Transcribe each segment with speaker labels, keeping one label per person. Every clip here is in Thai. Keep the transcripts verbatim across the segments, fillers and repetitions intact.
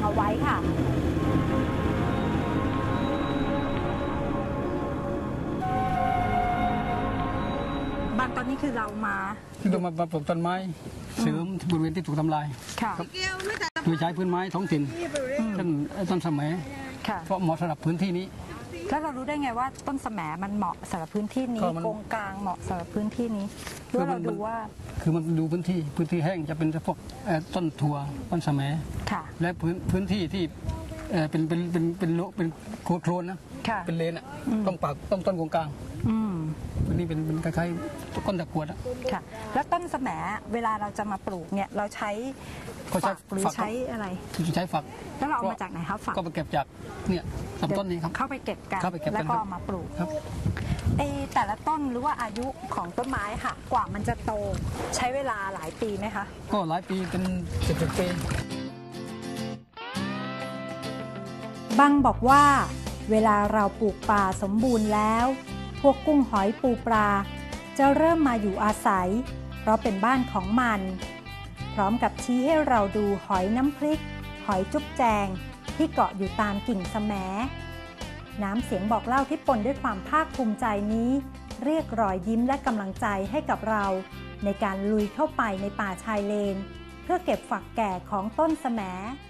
Speaker 1: เอาไว้ค่ะบางตอนนี้คือเรามา
Speaker 2: ที่เรามาปลูกต้นไม้เสริมบริเวณที่ถูกทำลายโดยใช้พื้นไม้ท้องถิ่นต้นต้นสมัยเพราะเหมาะสำหรับพื้นที่นี้
Speaker 1: แล้วเรารู้ได้ไงว่าต้นสมัยมันเหมาะสำหรับพื้นที่นี้โกงกลางเหมาะสำหรับพื้นที่นี้เพื่อเราดูว่า
Speaker 2: คือมันดูพื้นที่พื้นที่แห้งจะเป็นพวกต้นถั่วต้นสมัยและพื้นพื้นที่ที่เป็นเป็นเป็นเป็นโลเป็นโคลนนะเป็นเลนอ่ะต้องปากต้องต้นโกงกลางพื้นนี้เป็นเป็นคล้ายๆต้นตะกรวดอ่ะ
Speaker 1: ค่ะแล้วต้นสมัยเวลาเราจะมาปลูกเนี่ยเราใช้ฝักหรือใช้อะไร
Speaker 2: ใช้ฝัก
Speaker 1: แล้วเราเอามาจากไหนครับฝัก
Speaker 2: ก็ไปเก็บจากเนี่ยลำต้นนี้ครับ
Speaker 1: เข้าไปเก็บกันแล้วก็เอามาปลูก
Speaker 2: ครับ
Speaker 1: ไอแต่ละต้นหรือว่าอายุของต้นไม้ค่ะกว่ามันจะโตใช้เวลาหลายปีไหมคะ
Speaker 2: ก็หลายปีเป็นสิบสิบปี
Speaker 1: บังบอกว่าเวลาเราปลูกป่าสมบูรณ์แล้วพวกกุ้งหอยปูปลาจะเริ่มมาอยู่อาศัยเพราะเป็นบ้านของมันพร้อมกับชี้ให้เราดูหอยน้ำพริกหอยจุ๊บแจงที่เกาะอยู่ตามกิ่งแสมน้ำเสียงบอกเล่าที่ปนด้วยความภาคภูมิใจนี้เรียกรอยยิ้มและกำลังใจให้กับเราในการลุยเข้าไปในป่าชายเลนเพื่อเก็บฝักแก่ของต้นแสม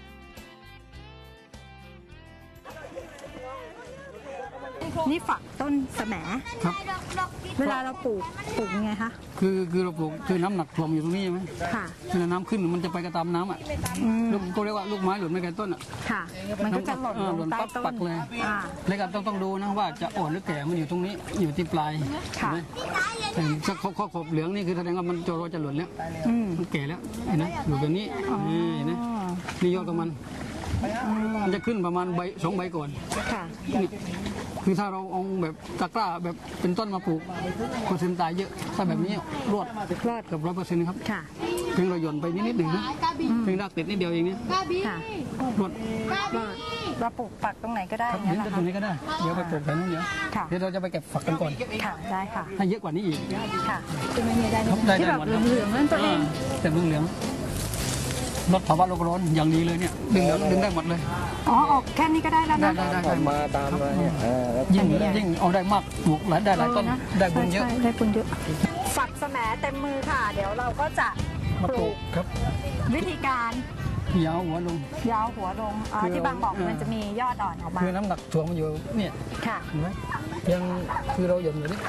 Speaker 1: นี่ฝักต้นแสม
Speaker 2: ครับ
Speaker 1: เวลาเราปลูกปลูกยังไงคะ
Speaker 2: คือคือเราปลูกคือน้ำหนักถ่วงอยู่ตรงนี้ใช่ไหมค่ะคือน้ำขึ้นมันจะไปกระตามน้ำอ่ะลูกก็เรียกว่าลูกไม้หล่นไม่ไกลต้นอ่ะ
Speaker 1: ค่ะมันก็จะหล่นลงใต้ต้น
Speaker 2: ปักเลยแล้วก็ต้องต้องดูนะว่าจะอ่อนหรือแก่มันอยู่ตรงนี้อยู่ที่ปลายค่ะถ้าข้อขอบเหลืองนี่คือแสดงว่ามันจะรอจะหล่นแล้วมันแก่แล้วเห็นไหมอยู่แบบนี้นี่นะนี่ยอดของมันมันจะขึ้นประมาณใบสองใบก่อนค่ะคือถ้าเราเอาแบบตะกร้าแบบเป็นต้นมาปลูกเปอร์เซ็นต์ตายเยอะถ้าแบบนี้รอดรอดกับร้อยเปอร์เซ็นต์ครับเพียงเราหย่อนไปนิดนิดหนึ่งนะเพียงรากติดนิดเดียวเองเนี่ยรอด
Speaker 1: เราปลูกฝักตรงไหนก็ได้
Speaker 2: ครับยืนตรงนี้ก็ได้เดี๋ยวไปปลูกแถวนู้นเดี๋ยวเดี๋ยวเราจะไปเก็บฝักกันก่อน
Speaker 1: ค่ะได้ค่ะ
Speaker 2: ให้เยอะกว่านี้อีก
Speaker 1: ค่ะคือไม่ได้ที่แบบเหลืองๆนั่นตัวเอง
Speaker 2: แต่เหลืองลดภาวะโลกร้อนอย่างดีเลยเนี่ยดึงดึงได้หมดเลย
Speaker 1: อ๋อออกแค่นี้ก็ได้แล้วนะ
Speaker 2: ได้ได้ได้
Speaker 3: มาตามมาเนี่ย
Speaker 2: ยิ่งยิ่งเอาได้มากปลูกหลายได้หลายต้นได้บุญเยอะ
Speaker 1: ได้บุญเยอะฝักแสมเต็มมือค่ะเดี๋ยวเราก็จะปลูก
Speaker 2: ครับ
Speaker 1: วิธีการ
Speaker 2: ยาวหัวลง
Speaker 1: ยาวหัวลงที่บางบอกมันจะมียอดอ่อนออกมา
Speaker 2: คือน้ำหนักถ่วงมันอยู่เนี่ย
Speaker 1: ค่ะ
Speaker 2: เห็นไหมยังคือเราหย่อนอยู่นี่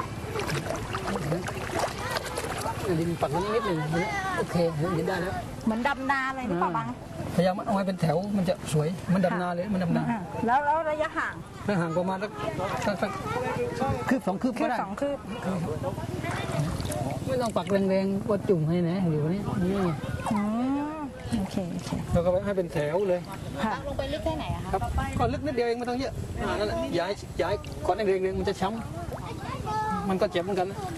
Speaker 2: ดินปักนิดหนึ่งโอเคเห็นได้แล้ว
Speaker 1: เหมือนดำนาเลยนี่ป่ะบัง
Speaker 2: พยายามเอาไว้เป็นแถวมันจะสวยมันดำนาเลยมันดำนา
Speaker 1: แล้วแล้วระยะห่าง
Speaker 2: ระยะห่างประมาณสักสักคืบสองคืบก็ได้
Speaker 1: สองคืบ
Speaker 2: ไม่ต้องปักแรงๆว่าจุ่มให้นะอยู่นี่นี่
Speaker 1: โอเคโอเค
Speaker 2: เราก็ให้เป็นแถวเลย
Speaker 1: ค่ะลงไปลึกแค่ไหนอะคะ
Speaker 2: ก็ลึกนิดเดียวเองไม่ต้องเยอะนั่นแหละย้ายย้ายก้อนเองๆมันจะช้ำมันก็เจ็บเหมือนกันนะ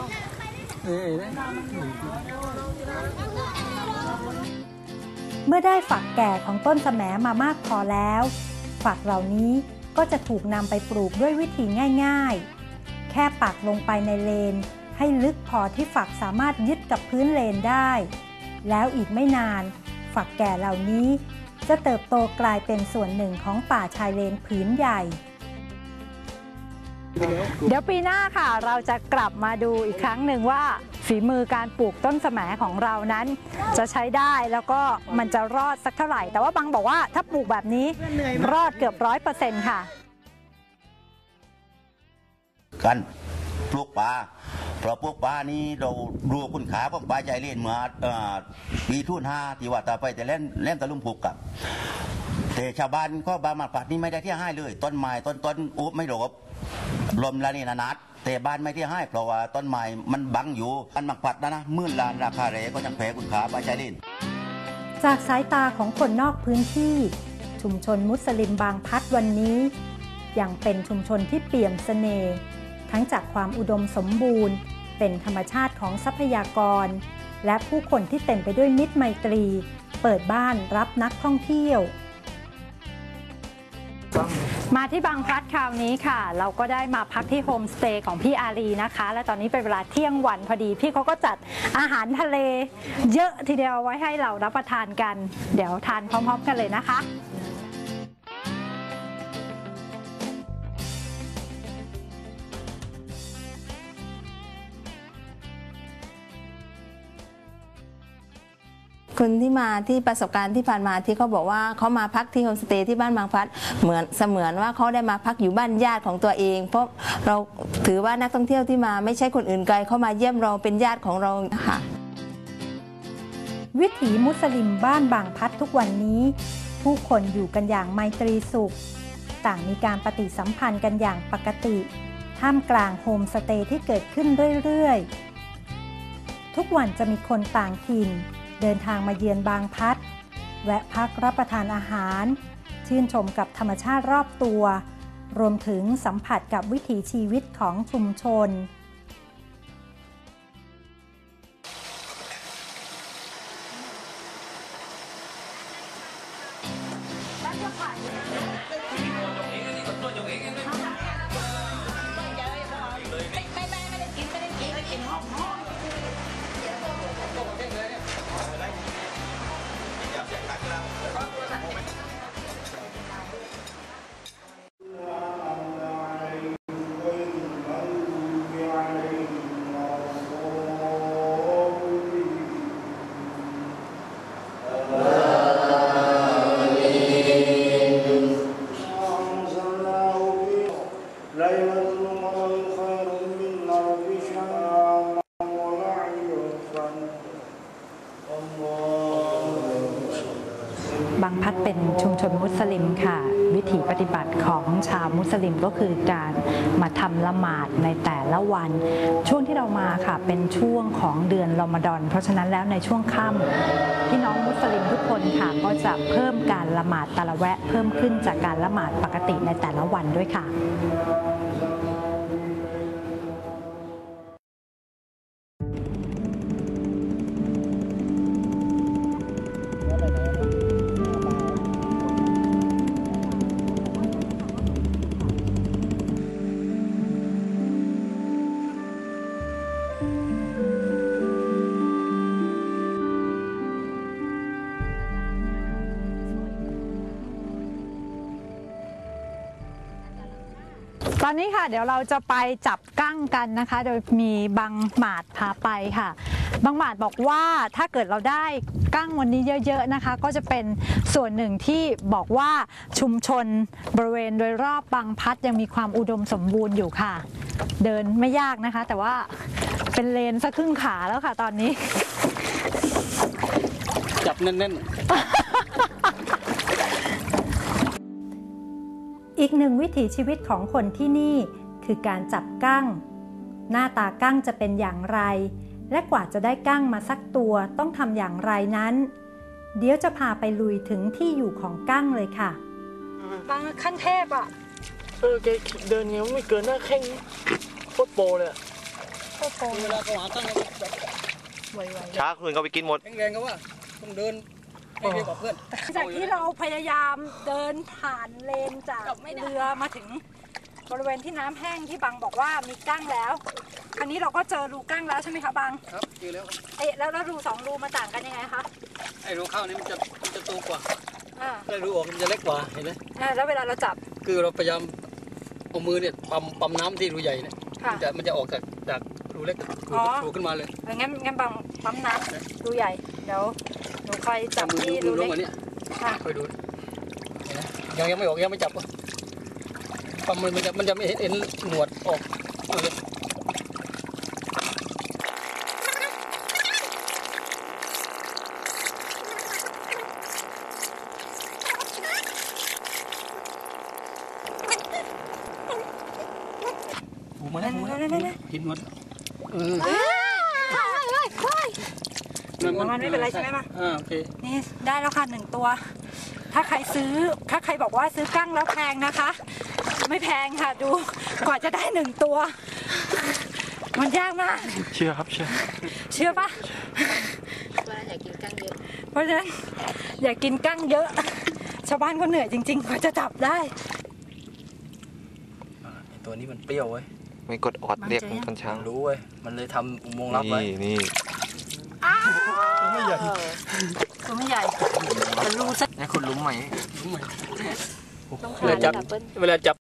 Speaker 1: เมื่อได้ฝักแก่ของต้นแสมมามากพอแล้วฝักเหล่านี้ก็จะถูกนำไปปลูกด้วยวิธีง่ายๆแค่ปักลงไปในเลนให้ลึกพอที่ฝักสามารถยึดกับพื้นเลนได้แล้วอีกไม่นานฝักแก่เหล่านี้จะเติบโตกลายเป็นส่วนหนึ่งของป่าชายเลนผืนใหญ่เดี๋ยวปีหน้าค่ะเราจะกลับมาดูอีกครั้งหนึ่งว่าฝีมือการปลูกต้นแสมของเรานั้นจะใช้ได้แล้วก็มันจะรอดสักเท่าไหร่แต่ว่าบางบอกว่าถ้าปลูกแบบนี้รอดเกือบร้อยเปอร์เซ็นต์ค่ะ
Speaker 3: กันปลูกปลาเพราะปลูกปลานี้เรารู้คุณค่าของปลาใจเล่นเมื่อปีทุ่นห้าที่ว่าต่อไปแต่เล่นเล่นตะลุ่มผูกกับแต่ชาวบ้านก็บางมาปัดนี้ไม่ได้ที่ให้เลยต้นไม้ต้นต้นอุ๊บไม่หลบลมละนี่นานัดแต่บ้านไม่ที่ให้เพราะว่าต้นไม้มันบังอยู่อันมักปัดนะนะมื่นลานราคาเรก็ยังแพ้คุณขาปลาใจเล่น
Speaker 1: จากสายตาของคนนอกพื้นที่ชุมชนมุสลิมบางพัดวันนี้ยังเป็นชุมชนที่เปี่ยมเสน่ห์ทั้งจากความอุดมสมบูรณ์เป็นธรรมชาติของทรัพยากรและผู้คนที่เต็มไปด้วยมิตรไมตรีเปิดบ้านรับนักท่องเที่ยวมาที่บางพลัดคราวนี้ค่ะเราก็ได้มาพักที่โฮมสเตย์ของพี่อารีนะคะและตอนนี้เป็นเวลาเที่ยงวันพอดีพี่เขาก็จัดอาหารทะเลเยอะทีเดียวไว้ให้เรารับประทานกันเดี๋ยวทานพร้อมๆกันเลยนะคะ
Speaker 4: คนที่มาที่ประสบการณ์ที่ผ่านมาที่เขาบอกว่าเขามาพักที่โฮมสเตย์ที่บ้านบางพลัดเหมือนเสมือนว่าเขาได้มาพักอยู่บ้านญาติของตัวเองเพราะเราถือว่านักท่องเที่ยวที่มาไม่ใช่คนอื่นไกลเขามาเยี่ยมเราเป็นญาติของเราค่ะ
Speaker 1: วิถีมุสลิมบ้านบางพลัดทุกวันนี้ผู้คนอยู่กันอย่างไมตรีสุขต่างมีการปฏิสัมพันธ์กันอย่างปกติท่ามกลางโฮมสเตย์ที่เกิดขึ้นเรื่อยๆทุกวันจะมีคนต่างถิ่นเดินทางมาเยือนบางพลัดแวะพักรับประทานอาหารชื่นชมกับธรรมชาติรอบตัวรวมถึงสัมผัสกับวิถีชีวิตของชุมชนบางพลัดเป็นชุมชนมุสลิมค่ะวิถีปฏิบัติของชาวมุสลิมก็คือการมาทำละหมาดในแต่ละวันช่วงที่เรามาค่ะเป็นช่วงของเดือนรอมฎอนเพราะฉะนั้นแล้วในช่วงค่ำพี่น้องมุสลิมทุกคนค่ะก็จะเพิ่มการละหมาดตะละแวะเพิ่มขึ้นจากการละหมาดปกติในแต่ละวันด้วยค่ะตอนนี้ค่ะเดี๋ยวเราจะไปจับกั้งกันนะคะโดยมีบังหมาดพาไปค่ะบังหมาดบอกว่าถ้าเกิดเราได้กั้งวันนี้เยอะๆนะคะก็จะเป็นส่วนหนึ่งที่บอกว่าชุมชนบริเวณโดยรอบบางพลัดยังมีความอุดมสมบูรณ์อยู่ค่ะเดินไม่ยากนะคะแต่ว่าเป็นเลนสักครึ่งขาแล้วค่ะตอนนี้
Speaker 2: จับแน่นๆ
Speaker 1: อีกหนึ่งวิถีชีวิตของคนที่นี่คือการจับกั้งหน้าตากั้งจะเป็นอย่างไรและกว่าจะได้กั้งมาสักตัวต้องทำอย่างไรนั้นเดี๋ยวจะพาไปลุยถึงที่อยู่ของกั้งเลยค่ะบางขั้นเทพอ่ะ
Speaker 5: เออแกเดินเงี้ยไม่เกินหน้าแข้งโคตรโปเลย
Speaker 1: โคตรโป
Speaker 2: เวลาเขาหากั้ง
Speaker 5: ไวๆช้าคืนเขาไปกินหมด
Speaker 2: แรงๆก็ว่าต้องเดินให้เร็วกว่าเพื่อน
Speaker 1: จากที่เราพยายามเดินผ่านเลนจากเรือมาถึงบริเวณที่น้ำแห้งที่บังบอกว่ามีกั้งแล้วคราวนี้เราก็เจอรูกั้งแล้วใช่ไหมคะบัง
Speaker 2: ครับเจอแล้ว
Speaker 1: เอ๊ะแล้วแล้วรูสองรูมาต่างกันยังไงคะ
Speaker 2: ไอ้รูเข้านี่มันจะมันจะโตกว่า
Speaker 1: อ่า
Speaker 2: แล้วรูออกมันจะเล็กกว่าเห็นไหม
Speaker 1: อ่าแล้วเวลาเราจับ
Speaker 2: คือเราพยายามเอามือเนี่ยปั๊มปั๊มน้ำที่รูใหญ่เนี่ยมันจะมันจะออกจากจากรูเล็กรูขึ้นมาเลย
Speaker 1: งั้นงั้นบังปั๊มน้ำรูใหญ่เดี๋ยวหนูคอยจับที่รูเล็ก
Speaker 2: คอยดูยังยังไม่ออกยังไม่จับปั๊มมือมันจะมันจะไม่เห็นหนวดออกเลยหูมาแล้วหูมาแล้วกินหมดเออ
Speaker 1: มันไม่เป็นไรใช่ไหมมา
Speaker 2: อ่าโอเค
Speaker 1: นี่ได้แล้วค่ะหนึ่งตัวถ้าใครซื้อถ้าใครบอกว่าซื้อกั้งแล้วแพงนะคะไม่แพงค่ะดูกว่าจะได้หนึ่งตัวมันยากมาก
Speaker 5: เชื่อครับเชื่อ
Speaker 1: เชื่อปะ
Speaker 4: ว่าอยากกินกั้งเยอะ
Speaker 1: เพราะฉะนั้นอยากกินกั้งเยอะชาวบ้านก็เหนื่อยจริงๆกว่าจะจับได้
Speaker 5: ตัวนี้มันเปรี้ยวเว้ย
Speaker 6: ไม่กดออดเรียกมันตอนเช้า
Speaker 5: รู้เว้ยมันเลยทำอุโมงค์ลับไว้
Speaker 6: นี่นี่
Speaker 5: ตัวไม่ใหญ่
Speaker 7: ตัวไม่ใหญ่แต่รูสัก
Speaker 6: นี่คุณรู้ไหม
Speaker 5: เวลาจับเวลาจับ